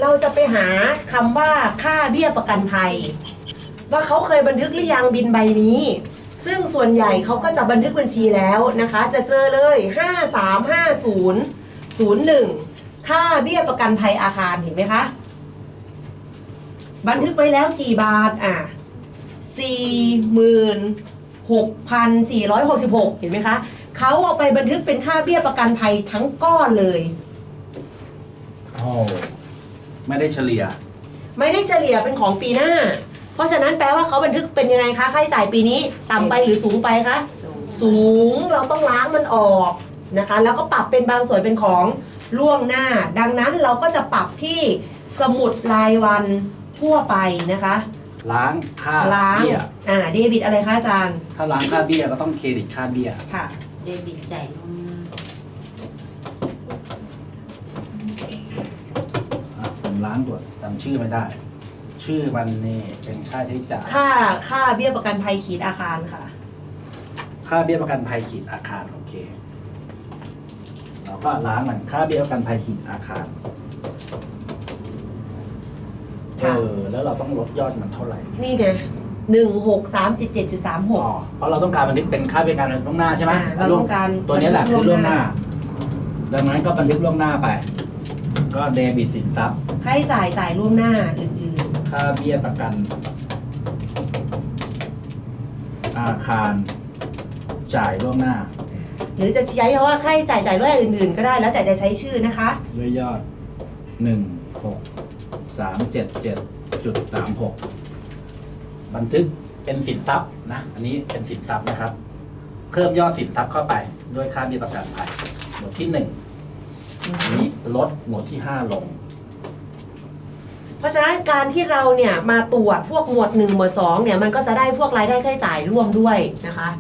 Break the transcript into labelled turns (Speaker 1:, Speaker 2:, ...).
Speaker 1: เราจะไปหาคำว่าค่าเบี้ยประกันภัยว่าเขาเคยบันทึกหรือยังบินใบนี้ซึ่งส่วนใหญ่เขาก็จะบันทึกบัญชีแล้วนะคะจะเจอเลย535001ค่าเบี้ยประกันภัยอาคารเห็นไหมคะบันทึกไว้แล้วกี่บาท46,466เห็นไหมคะเขาเอาไปบันทึกเป็นค่าเบี้ยประกันภัยทั้งก้อนเลย
Speaker 2: โอ้ไม่ได้เฉลี่ย
Speaker 1: เป็นของปีหน้าเพราะฉะนั้นแปลว่าเขาบันทึกเป็นยังไงคะค่าใช้จ่ายปีนี้ต่ำไปหรือสูงไปคะสูงเราต้องล้างมันออกนะคะแล้วก็ปรับเป็นบางส่วนเป็นของล่วงหน้าดังนั้นเราก็จะปรับที่สมุดรายวันทั่วไปนะคะ
Speaker 2: ล้างค่าเบี้ย
Speaker 1: เดบิตอะไรคะอาจารย์
Speaker 2: ถ้าล้างค่าเบี้ยก็ต้องเครดิตค่าเบี้ย
Speaker 1: ค่ะ
Speaker 3: เดบิตจ่ายล่วงหน้า
Speaker 2: ผมล้างตัวจำชื่อไม่ได้ชื่อมันนี่เป็นค่าใช้จ่าย
Speaker 1: ค่าเบี้ยประกันภัยขีดอาคารค่ะ
Speaker 2: ค่าเบี้ยประกันภัยขีดอาคารโอเคเราก็ล้างมันค่าเบี้ยประกันภัยขีดอาคารแล้วเราต้องลดยอดมันเท่าไหร่
Speaker 1: นี่ไง16377.36
Speaker 2: เพราะเราต้องการบันทึกเป็นค่าบริการล่วงหน้าใช่ไหม
Speaker 1: เราต้องการ
Speaker 2: ตัวนี้แหละคือล่วงหน้าดังนั้นก็บันทึกล่วงหน้าไปก็เดบิตสินทรัพย์
Speaker 1: ค่าใช้จ่ายล่วงหน้าอื่น
Speaker 2: ๆค่าเบี้ยประกันอาคารจ่ายล่วงหน้า
Speaker 1: หรือจะใช้คำว่าค่าใช้จ่ายล่วงหน้าอื่นๆก็ได้แล้วแต่จะใช้ชื่อนะคะ
Speaker 2: ด้วยยอด16377.36บันทึกเป็นสินทรัพย์นะอันนี้เป็นสินทรัพย์นะครับเพิ่มยอดสินทรัพย์เข้าไปด้วยค่าเบี้ยประกันภัยหมวดที่1นี้ลดหมวดที่5ลง
Speaker 1: เพราะฉะนั้นการที่เราเนี่ยมาตรวจพวกหมวด1หมวด2เนี่ยมันก็จะได้พวกรายได้ค่าใช้จ่ายร่วมด้วยนะคะ